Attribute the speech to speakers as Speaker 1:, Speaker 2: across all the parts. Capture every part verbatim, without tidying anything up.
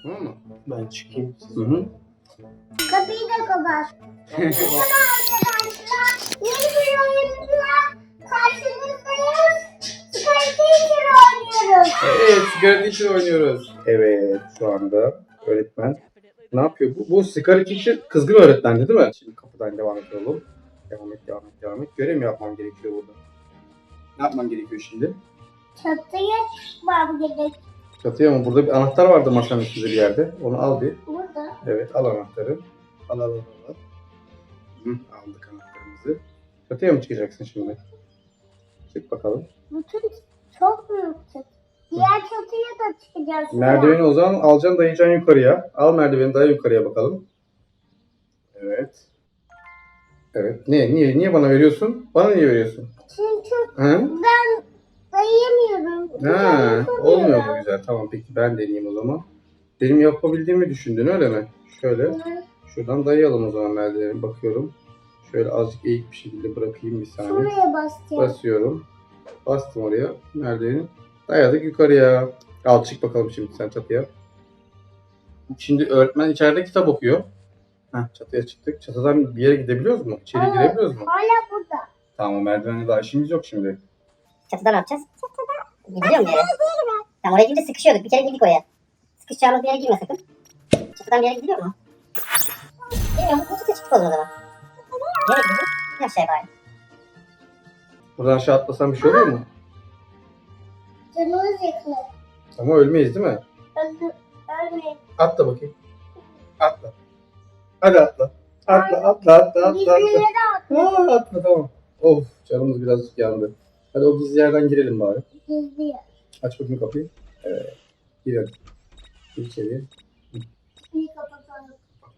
Speaker 1: Tamam mı?
Speaker 2: Ben çıkayım.
Speaker 1: Hı hı.
Speaker 3: Kapıyı da kapat. Merhaba arkadaşlar. Yeni bir oyunla karşınızdayız. Sky Teacher oynuyoruz.
Speaker 1: Evet, sigara teacher oynuyoruz. Evet, şu anda öğretmen ne yapıyor? Bu, bu sigara teacher kızgın öğretmendi değil mi? Şimdi kapıdan devam edelim. Devam et, devam et, devam et. Görev mi yapmam gerekiyor burada? Ne yapmam gerekiyor şimdi?
Speaker 3: Çatıya çıkmam gerek.
Speaker 1: Çatıya mı? Burada bir anahtar vardı masanın üstünde bir yerde. Onu al bir.
Speaker 3: Burada.
Speaker 1: Evet, al anahtarı. Al, al, al, al. Hı, aldık anahtarımızı. Çatıya mı çıkacaksın şimdi? Çık bakalım.
Speaker 3: Bütün çok büyük çatı. Diğer çatıya da çıkacağız.
Speaker 1: Merdiveni o zaman alacaksın, dayayacaksın yukarıya. Al merdiveni, daya yukarıya bakalım. Evet. Evet. Niye? Niye? Niye bana veriyorsun? Bana niye veriyorsun?
Speaker 3: Çünkü
Speaker 1: Hı?
Speaker 3: ben dayayamıyorum.
Speaker 1: Ha,
Speaker 3: Güzel
Speaker 1: olmuyor
Speaker 3: yapamıyorum.
Speaker 1: mu güzel? Tamam peki ben deneyeyim o zaman. Benim yapabildiğimi düşündün öyle mi? Şöyle.
Speaker 3: Hı.
Speaker 1: Şuradan dayayalım o zaman merdiveni. Bakıyorum. Şöyle azıcık eğik bir şekilde bırakayım bir saniye.
Speaker 3: Şuraya basacağım.
Speaker 1: Basıyorum. Bastım oraya merdiveni. Dayadık yukarıya. Al çık bakalım şimdi sen çatıya. Şimdi öğretmen içeride kitap okuyor. Heh, çatıya çıktık. Çatıdan bir yere gidebiliyoruz mu? İçeri
Speaker 3: Evet.
Speaker 1: girebiliyoruz mu?
Speaker 3: Hala burada.
Speaker 1: Tamam merdivenle daha işimiz yok şimdi.
Speaker 4: Çatıda ne yapacağız? Gidiliyor mu bir yere? Tamam oraya girince sıkışıyorduk. Bir kere girdik oraya. Sıkışacağımız bir yere girme sakın. Çatıdan bir yere gidiliyor mu? Bilmiyorum. Bu çatıya çıktık o zaman. Nereye gidiyoruz? Bir aşağıya bari.
Speaker 1: Buradan aşağı atlasam bir şey olur mu?
Speaker 3: Canımız yakılır.
Speaker 1: Ama ölmeyiz değil mi?
Speaker 3: Öldü. Ölmeyin.
Speaker 1: Atla bakayım. Atla. Hadi atla. Atla atla atla atla atla.
Speaker 3: Gizlilere at.
Speaker 1: Aa, atla tamam. Of canımız birazcık yandı. Hadi o gizli yerden girelim bari.
Speaker 3: Gizli yer.
Speaker 1: Aç bakayım kapıyı. Evet. Girelim. Gir içeriye.
Speaker 3: Bir kapatalım.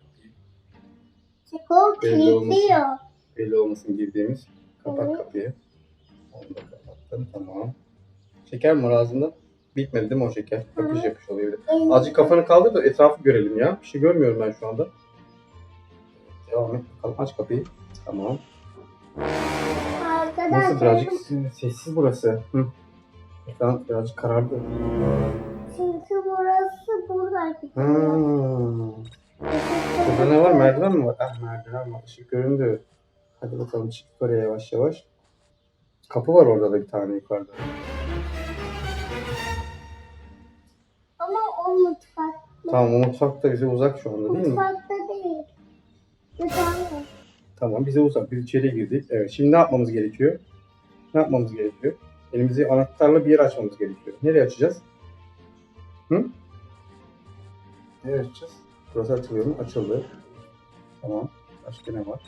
Speaker 3: Çok
Speaker 1: Belli olmasın.
Speaker 3: kilitliyor.
Speaker 1: Belli olmasın girdiğimiz. Kapat
Speaker 3: Evet.
Speaker 1: kapıyı. Onu da kapattım. Tamam. Şeker mi var ağzında? Bitmedi değil mi o şeker? Yapış yapış oluyor. bir de.
Speaker 3: Evet.
Speaker 1: Azıcık kafanı kaldır da etrafı görelim ya. Bir şey görmüyorum ben şu anda. Devam et bakalım. Aç kapıyı. Tamam.
Speaker 3: Arkadaşlar.
Speaker 1: Nasıl birazcık sessiz burası. Hı. Ekran birazcık karardı.
Speaker 3: Çünkü burası buradaki.
Speaker 1: Hmm. Burada ne var? Merdiven mi var? Ah merdiven var. Işık göründü. Hadi bakalım çık yukarıya yavaş yavaş. Kapı var orada da bir tane yukarıda.
Speaker 3: Ama o mutfak.
Speaker 1: Tamam o mutfak da bize uzak şu anda değil mi?
Speaker 3: Mutfakta değil. Güzel.
Speaker 1: Tamam bize uzak. Biz içeriye girdik. Evet şimdi ne yapmamız gerekiyor? Ne yapmamız gerekiyor? Elimizi anahtarla bir yer açmamız gerekiyor. Nereye açacağız? Hı? Nereye açacağız? Burası açılıyor mu? Açıldı. Tamam. Başka ne var?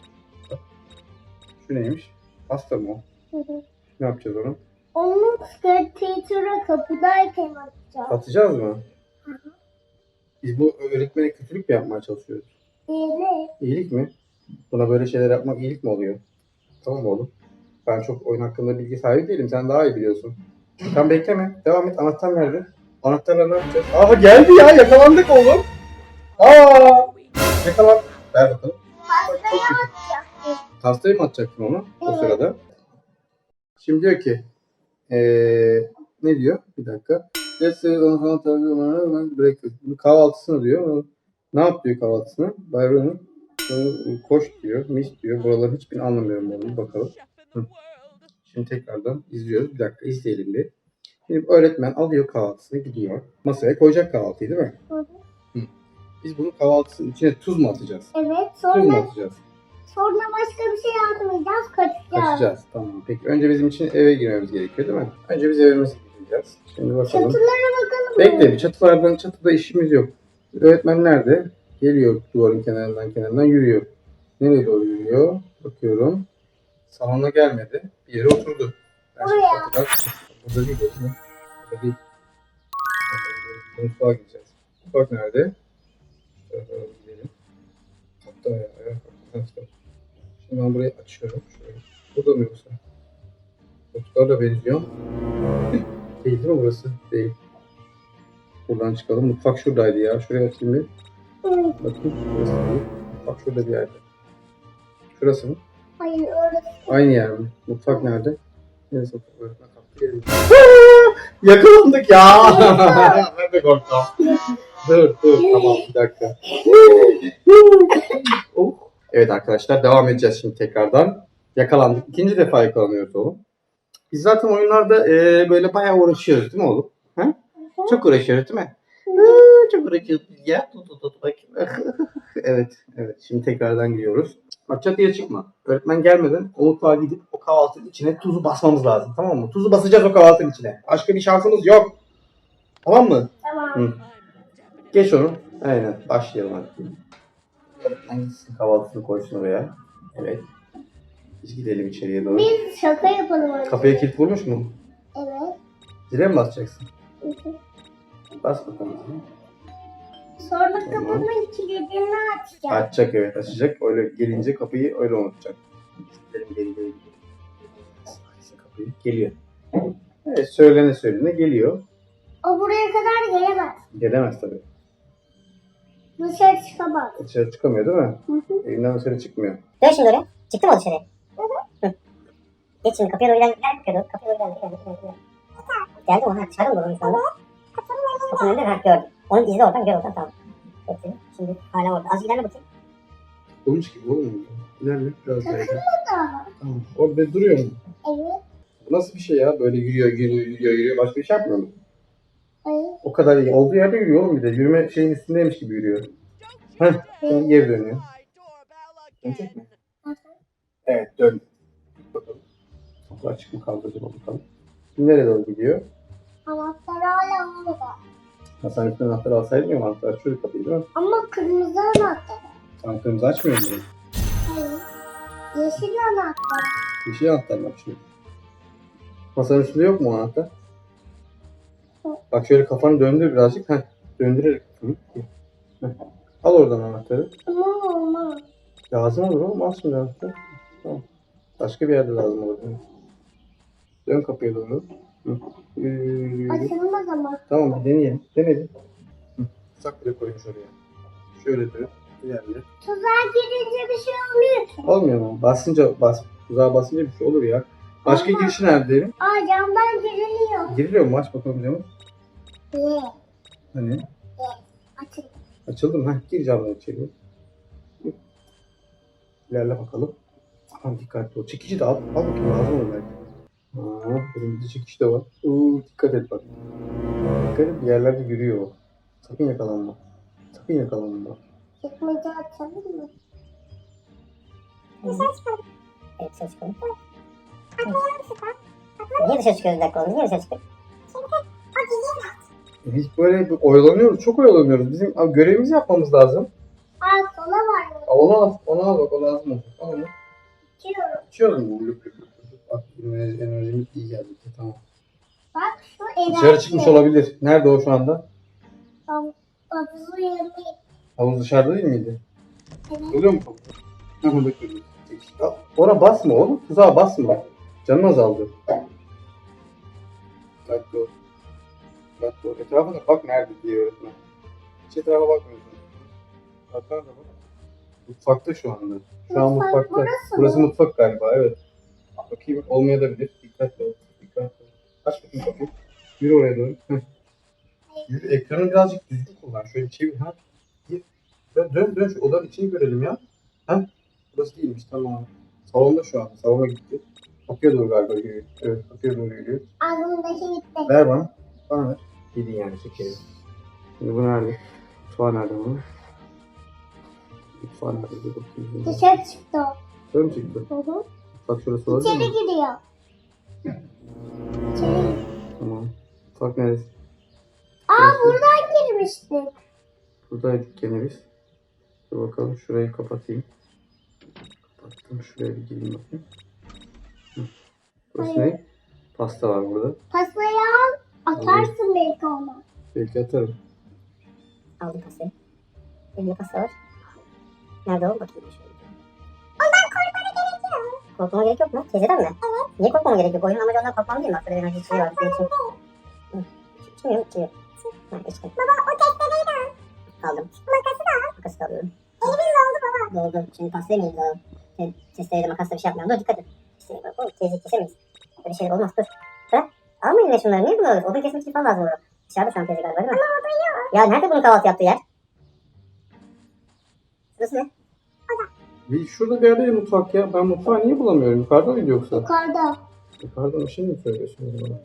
Speaker 1: Şu neymiş? Pasta mı o?
Speaker 3: Hı hı.
Speaker 1: Ne yapacağız onu?
Speaker 3: Onu teacher'a kapıdayken atacağım.
Speaker 1: Atacağız mı?
Speaker 3: Hı hı.
Speaker 1: Biz bu öğretmene kötülük mi yapmaya çalışıyoruz?
Speaker 3: Değil.
Speaker 1: İyilik mi? Buna böyle şeyler yapmak iyilik mi oluyor? Tamam oğlum. Ben çok oyun hakkında bilgi sahibi değilim. Sen daha iyi biliyorsun. Tamam bekleme. Devam et. Anahtar nerede? Anahtarla ne yapacağız? Aha geldi ya. Yakalandık oğlum. Aa! Yakalan. Ver bakalım.
Speaker 3: Pastayı atacağım.
Speaker 1: Pastayı mı atacaktın onu o
Speaker 3: Evet.
Speaker 1: sırada? Şimdi diyor ki ee, ne diyor? Bir dakika. Let's say on falan tabii breakfast. Bunu kahvaltısını diyor. Ne yap diyor kahvaltısını? Byron'un koş diyor, mis diyor. Buraların hiçbirini anlamıyorum onu. Bakalım. Hı. Şimdi tekrardan izliyoruz. Bir dakika izleyelim bir. Şimdi öğretmen alıyor kahvaltısını gidiyor. Masaya koyacak kahvaltıyı değil mi?
Speaker 3: Hı hı.
Speaker 1: Hı. Biz bunu kahvaltısının içine tuz mu atacağız?
Speaker 3: Evet.
Speaker 1: Tuz mu
Speaker 3: Sonra
Speaker 1: atacağız?
Speaker 3: sonra başka bir şey atmayacağız. Kaçacağız.
Speaker 1: Kaçacağız. Tamam. Peki önce bizim için eve girmemiz gerekiyor değil mi? Önce biz evimize gideceğiz. Şimdi bakalım.
Speaker 3: Çatılara bakalım.
Speaker 1: Bekle bir çatılardan çatıda işimiz yok. Öğretmen nerede? Geliyor duvarın kenarından kenarından yürüyor. Nereye doğru yürüyor? Bakıyorum. Salona gelmedi. Bir yere oturdu. Ben şimdi
Speaker 3: Buraya.
Speaker 1: kapıdan- Burada değil. Burada, burada değil. Ee, Mutfağa gideceğiz. Mutfak nerede? Şöyle doğru gidelim. Hatta ya. ya. Hatta. Şimdi ben burayı açıyorum. Şöyle. Burada mı yoksa? Mutfağa benziyor. Değil değil mi burası? Değil. Buradan çıkalım. Mutfak şuradaydı ya. Şuraya bakayım bir.
Speaker 3: Evet.
Speaker 1: Bakayım. Şurası değil. Mutfak şurada bir yerde. Şurası mı?
Speaker 3: Hayır orası.
Speaker 1: Aynı yer mi? Mutfak nerede? Neresi mutfak? Öğretmen kaptı gelin. Yakalandık ya. Ben de korktum. Dur dur tamam bir dakika. Oh. Evet arkadaşlar devam edeceğiz şimdi tekrardan. Yakalandık. İkinci defa yakalanıyoruz oğlum. Biz zaten oyunlarda e, böyle bayağı uğraşıyoruz değil mi oğlum? Ha? Çok uğraşıyoruz değil mi? Aa, çok uğraşıyoruz biz ya. Tut tut tut bakayım. Evet evet şimdi tekrardan giriyoruz. Bak çatıya çıkma. Öğretmen gelmeden o mutfağa gidip o kahvaltının içine tuzu basmamız lazım tamam mı? Tuzu basacağız o kahvaltının içine. Başka bir şansımız yok. Tamam mı?
Speaker 3: Tamam.
Speaker 1: Hı. Geç onu. Aynen. Başlayalım hadi. Öğretmen gitsin kahvaltısını koysun oraya. Evet. Biz gidelim içeriye doğru.
Speaker 3: Biz şaka yapalım önce.
Speaker 1: Kapıya kilit vurmuş mu?
Speaker 3: Evet.
Speaker 1: Zile mi basacaksın?
Speaker 3: Hı hı.
Speaker 1: Bas bakalım.
Speaker 3: Sonra
Speaker 1: Tamam.
Speaker 3: kapının kilidini açacağım.
Speaker 1: Açacak evet açacak. Öyle gelince kapıyı öyle unutacak. Gidelim geri geri. Açsın kapıyı. Geliyor. Evet söylene söylene geliyor.
Speaker 3: O buraya kadar gelemez.
Speaker 1: Gelemez tabii.
Speaker 3: Dışarı çıkamaz.
Speaker 1: Dışarı çıkamıyor değil mi?
Speaker 3: Hı hı.
Speaker 1: Evinden dışarı çıkmıyor.
Speaker 4: Dön şimdi oraya. Çıktı mı o dışarıya? Hı. Geç şimdi kapıya doğru gel. Gel kapıya doğru. Kapıya doğru gel. Gel, gel, gel. Geldi mi? Ha dışarıda mı durmuş şu anda? Kapının önünde. Ha gördüm. Onun izi oradan gör oradan tamam. Bekle. Şimdi hala orada. Az ilerle bakayım.
Speaker 1: Olmuş gibi oğlum. İlerle biraz daha.
Speaker 3: Burada.
Speaker 1: Tamam. Orada duruyor mu?
Speaker 3: Evet.
Speaker 1: Bu nasıl bir şey ya? Böyle yürüyor, yürüyor, yürüyor, yürüyor. Başka bir şey yapmıyor mu?
Speaker 3: Hayır.
Speaker 1: O kadar iyi. Olduğu yerde yürüyor oğlum bir de. Yürüme şeyin üstündeymiş gibi yürüyor. Heh. Sonra geri dönüyor. Dönecek mi?
Speaker 3: Hı hı.
Speaker 1: Evet dön. Bakalım. Kapı açık mı kaldı acaba bakalım. Şimdi nereye doğru gidiyor?
Speaker 3: Anahtar hala orada.
Speaker 1: Ha, sen üstüne anahtarı alsaydın ya anahtar şöyle kapıyı değil mi?
Speaker 3: Ama kırmızı anahtar.
Speaker 1: Sen kırmızı açmıyor musun?
Speaker 3: Hayır. Yeşil anahtar.
Speaker 1: Bir şey anahtar mı açıyor? Masanın üstünde yok mu o anahtar? Bak şöyle kafanı döndür birazcık. Heh. Döndürerek kafanı. Heh. Al oradan anahtarı.
Speaker 3: Ama olmaz.
Speaker 1: Lazım olur oğlum. Al şimdi anahtarı. Tamam. Başka bir yerde lazım olur. Dön kapıya doğru. Hı. Yürü, yürü, yürü.
Speaker 3: Açılmaz ama.
Speaker 1: Tamam bir deneyelim. Denedim. Sak bile koymuş oraya. Şöyle dön. İlerle.
Speaker 3: Tuzağa girince bir şey oluyor ki.
Speaker 1: Olmuyor mu? Basınca bas. Tuzağa basınca bir şey olur ya. Başka
Speaker 3: Olmaz.
Speaker 1: girişi nerede diyelim?
Speaker 3: Aa camdan giriliyor.
Speaker 1: Giriliyor mu? Aç bakalım camı.
Speaker 3: Ye.
Speaker 1: Hani?
Speaker 3: Açıl.
Speaker 1: Açıldı mı? Heh, gir camdan içeri. Hı. İlerle bakalım. Aman dikkatli ol. Çekici de al. Al bakayım lazım olur belki. Aa, elimizde çekici de var. Oo, dikkat et bak. Dikkat et bir yerlerde yürüyor o. Sakın yakalanma. Sakın yakalanma.
Speaker 3: Çekmece açalım mı?
Speaker 4: Dışarı çıkalım. Evet dışarı çıkalım. Niye dışarı çıkıyoruz bir dakika oğlum? Niye dışarı çıkıyoruz?
Speaker 1: Biz böyle bir oyalanıyoruz. Çok oyalanıyoruz. Bizim abi, görevimizi yapmamız lazım.
Speaker 3: Aa kola var mı?
Speaker 1: Al, onu al. Onu al bak o lazım olur. Al onu.
Speaker 3: İçiyorum.
Speaker 1: İçiyoruz mu? Lüp lüp lüp lüp. Bak enerji- enerjimiz iyi geldi. Tamam.
Speaker 3: Bak şu enerji.
Speaker 1: Dışarı çıkmış olabilir. Nerede o şu anda?
Speaker 3: Hav- Havuzu yemeği.
Speaker 1: Havuz dışarıda değil miydi?
Speaker 3: Evet.
Speaker 1: Görüyor musun? Ha burada görüyoruz. Ona basma oğlum. Tuzağa basma. Canın azaldı. Bak dur. Bak dur. Etrafa da bak nerede diye öğretmen. Hiç etrafa bakmıyorsun. Bak nerede bak. Mutfakta şu anda. Şu an
Speaker 3: Mutfak
Speaker 1: mutfakta.
Speaker 3: burası
Speaker 1: Burası
Speaker 3: mı?
Speaker 1: mutfak galiba evet. Bakayım olmayabilir. Dikkatli ol. Dikkatli ol. Aç bakayım kapıyı. Yürü oraya doğru. Heh. Yürü. Ekranı birazcık düzgün kullan. Şöyle çevir. Ha. Gir. Dön dön dön. Şu odanın içini görelim ya. Ha. Burası değilmiş tamam. Salonda şu an. Salona gitti. Kapıya doğru galiba yürüyor. Evet kapıya doğru yürüyor.
Speaker 3: Ağzımdaki gitti.
Speaker 1: Ver bana. Bana ver. Yedin yani şekeri. Şimdi bu nerede? Mutfağı nerede bunun? Mutfağı nerede? Bir bakayım.
Speaker 3: Dışarı çıktı o.
Speaker 1: Şöyle mi çıktı?
Speaker 3: Hı hı.
Speaker 1: Mutfak şurası olabilir
Speaker 3: İçeri
Speaker 1: mi?
Speaker 3: giriyor. İçeri.
Speaker 1: Tamam. Mutfak neresi?
Speaker 3: Aa buradan girmiştik.
Speaker 1: Buradaydık gene biz. Dur bakalım şurayı kapatayım. Kapattım. Şuraya bir gireyim bakayım. Hı. Burası
Speaker 3: Hayır.
Speaker 1: ne? Pasta var burada.
Speaker 3: Pastayı al. Atarsın belki ona.
Speaker 1: Belki atarım.
Speaker 4: Aldım pastayı. Elimde pasta var. Nerede o? Bakayım şöyle. Korkmama gerek yok mu? Teyzeden mi? Evet. Niye korkmama gerek yok? Oyunun amacı ondan korkmam değil mi? Bak burada enerji içeceği var. Senin için. Hı. İçmiyorum, içmiyorum. Ha, içtim. Baba o testereyi de al. Aldım. Makası da al. Makası da alıyorum. Elimin doldu baba. Doldu. Şimdi pastayı mı alalım? Sen testereyle makasla bir şey yapmayalım. Dur dikkat et. İşte bak oğlum teyze kesemeyiz. Böyle şeyler olmaz dur. Bırak. Almayın ya şunları. Niye bunu alıyorsun? Odun kesmek için falan lazım olur. Dışarıda şantiyacı galiba değil mi? Ama o da yok. Ya nerede bunun kahvaltı yaptığı yer? Burası ne?
Speaker 1: Bir, şurada bir yerde mutfak ya. Ben mutfağı niye bulamıyorum? Yukarıda mıydı yoksa?
Speaker 3: Yukarıda.
Speaker 1: Yukarıda bir şey mi söylüyorsun bana?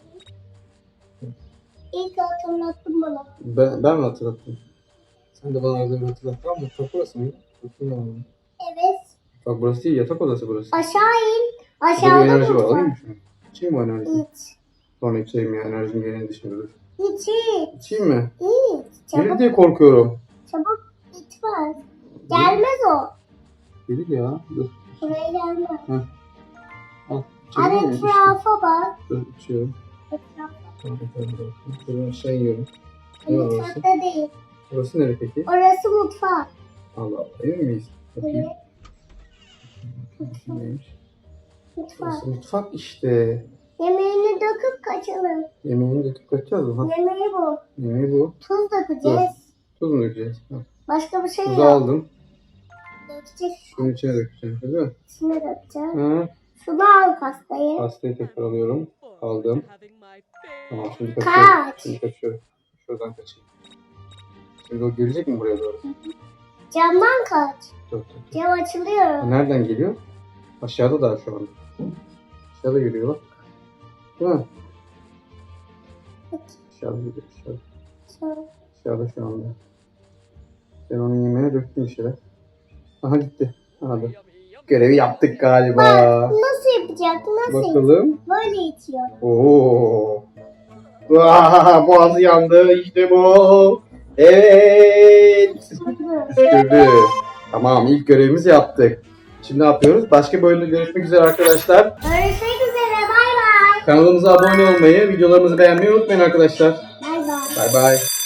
Speaker 3: İlk hatırlattın bana.
Speaker 1: Ben, ben mi hatırlattım? Sen de bana öyle bir hatırlat. Tamam mutfak burası mı? Bakayım.
Speaker 3: Evet.
Speaker 1: Bak burası değil, yatak odası burası.
Speaker 3: Aşağı in.
Speaker 1: Burada bir
Speaker 3: Aşağıda
Speaker 1: enerji var,
Speaker 3: mutfak.
Speaker 1: alayım mı şunu? İçeyim mi o enerjiyi?
Speaker 3: İç.
Speaker 1: Sonra içeyim ya, enerjim geleni şimdi dur.
Speaker 3: İç iç.
Speaker 1: İçeyim mi?
Speaker 3: İç.
Speaker 1: Gelir
Speaker 3: Çabuk.
Speaker 1: diye korkuyorum.
Speaker 3: Çabuk bitmez. Gelmez o.
Speaker 1: Gelir ya, dur.
Speaker 3: Buraya gelmez.
Speaker 1: Al.
Speaker 3: Hadi
Speaker 1: İçebilir miyim?
Speaker 3: etrafa bak.
Speaker 1: Dur, içiyorum.
Speaker 3: Etrafa.
Speaker 1: Tamam, tamam, tamam. Şuradan aşağı iniyorum. Ne var orası?
Speaker 3: Mutfakta değil.
Speaker 1: Burası nere peki?
Speaker 3: Orası mutfak.
Speaker 1: Allah Allah, emin miyiz? Bakayım.
Speaker 3: Evet.
Speaker 1: Burası neymiş?
Speaker 3: Mutfak.
Speaker 1: Burası mutfak işte.
Speaker 3: Yemeğini döküp kaçalım.
Speaker 1: Yemeğini döküp kaçacağız mı? Ha,
Speaker 3: Yemeği bu.
Speaker 1: yemeği bu.
Speaker 3: Tuz dökeceğiz.
Speaker 1: Tuz mu dökeceğiz? Ha.
Speaker 3: Başka bir şey
Speaker 1: Tuzu
Speaker 3: yok.
Speaker 1: aldım.
Speaker 3: Dökeceğiz.
Speaker 1: Şunun içine dökeceğim, değil mi?
Speaker 3: İçine dökeceğiz.
Speaker 1: Ha.
Speaker 3: Şunu al pastayı.
Speaker 1: Pastayı tekrar alıyorum. Aldım. Tamam, şimdi kaçıyorum.
Speaker 3: Kaç.
Speaker 1: Şimdi kaçıyorum. Şuradan kaçayım. Şimdi o gelecek mi buraya doğru?
Speaker 3: Camdan kaç.
Speaker 1: Dur, dur, dur.
Speaker 3: Cam açılıyor.
Speaker 1: Nereden geliyor? Aşağıda daha şu anda. Aşağıda geliyor bak. Değil mi? Aşağıda geliyor. Aşağıda.
Speaker 3: Şöyle.
Speaker 1: Aşağıda şu anda. Ben onun yemeğine döktüm bir şeyler. Aha gitti. Aha da. Görevi yaptık galiba.
Speaker 3: Nasıl yapacak? Nasıl?
Speaker 1: Bakalım.
Speaker 3: Böyle itiyor.
Speaker 1: Oo. Vaa, boğazı yandı. İşte bu. Evet. Püskürdü. Tamam, ilk görevimizi yaptık. Şimdi ne yapıyoruz? Başka bölümde görüşmek üzere arkadaşlar.
Speaker 3: Görüşmek üzere. Bay bay.
Speaker 1: Kanalımıza abone olmayı, videolarımızı beğenmeyi unutmayın arkadaşlar.
Speaker 3: Bay bay.
Speaker 1: Bay bay.